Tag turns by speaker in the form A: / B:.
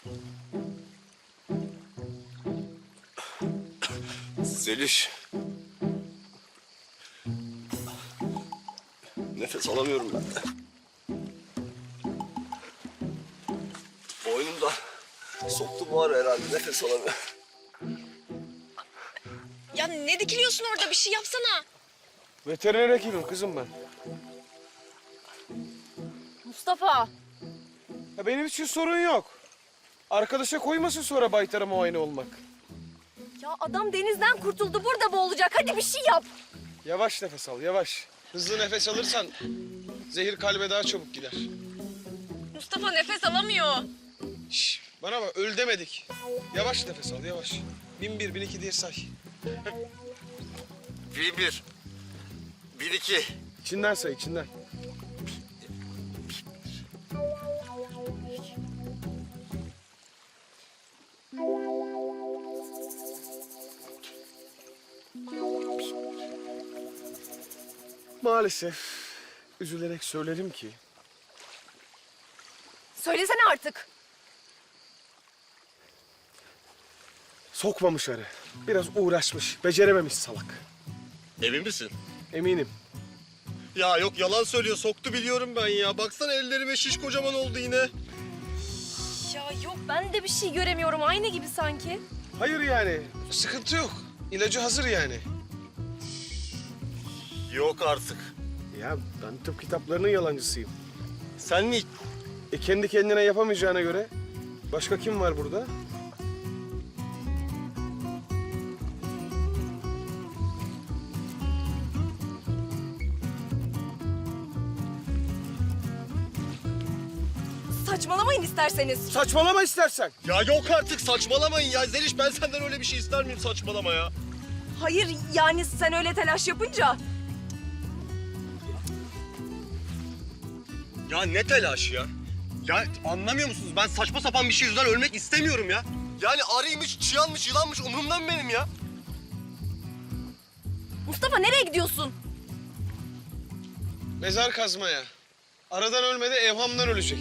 A: Zeliş. Nefes alamıyorum ben. Boynumda soktu buhar herhalde. Nefes alamıyorum.
B: Ya ne dikiliyorsun orada? Bir şey yapsana.
C: Veteriner hekimim kızım ben.
B: Mustafa.
C: Ya benim için sorun yok. Arkadaşa koymasın sonra baytara muayene olmak.
B: Ya adam denizden kurtuldu. Burada boğulacak. Hadi bir şey yap.
C: Yavaş nefes al, yavaş. Hızlı nefes alırsan zehir kalbe daha çabuk gider.
B: Mustafa nefes alamıyor.
C: Şş, bana bak, öl demedik. Yavaş nefes al, yavaş. 1001, 1002 diye say.
A: 1-1. 1-2.
C: İçinden say, içinden. Maalesef üzülerek söylerim ki
B: Söylesene artık.
C: sokmamış arı. Biraz uğraşmış, becerememiş salak.
A: Emin misin?
C: Eminim.
A: Ya yok, yalan söylüyor. Soktu biliyorum ben ya. Baksana ellerime şiş kocaman oldu yine.
B: Ya yok ben de bir şey göremiyorum. Aynı gibi sanki.
C: Hayır yani, sıkıntı yok. İlacı hazır yani.
A: Yok artık.
C: Ya ben tıp kitaplarının yalancısıyım.
A: Sen mi?
C: Kendi kendine yapamayacağına göre başka kim var burada?
B: Saçmalamayın isterseniz.
C: Saçmalama istersen.
A: Ya yok artık, saçmalamayın ya. Zeliş, ben senden öyle bir şey ister miyim? Saçmalama ya.
B: Hayır yani sen öyle telaş yapınca.
A: Ya ne telaş ya? Ya anlamıyor musunuz? Ben saçma sapan bir şey yüzünden ölmek istemiyorum ya. Yani arıymış, çıyanmış, yılanmış umurumda mı benim ya?
B: Mustafa nereye gidiyorsun?
C: Mezar kazmaya. Aradan ölmedi, evhamdan ölecek.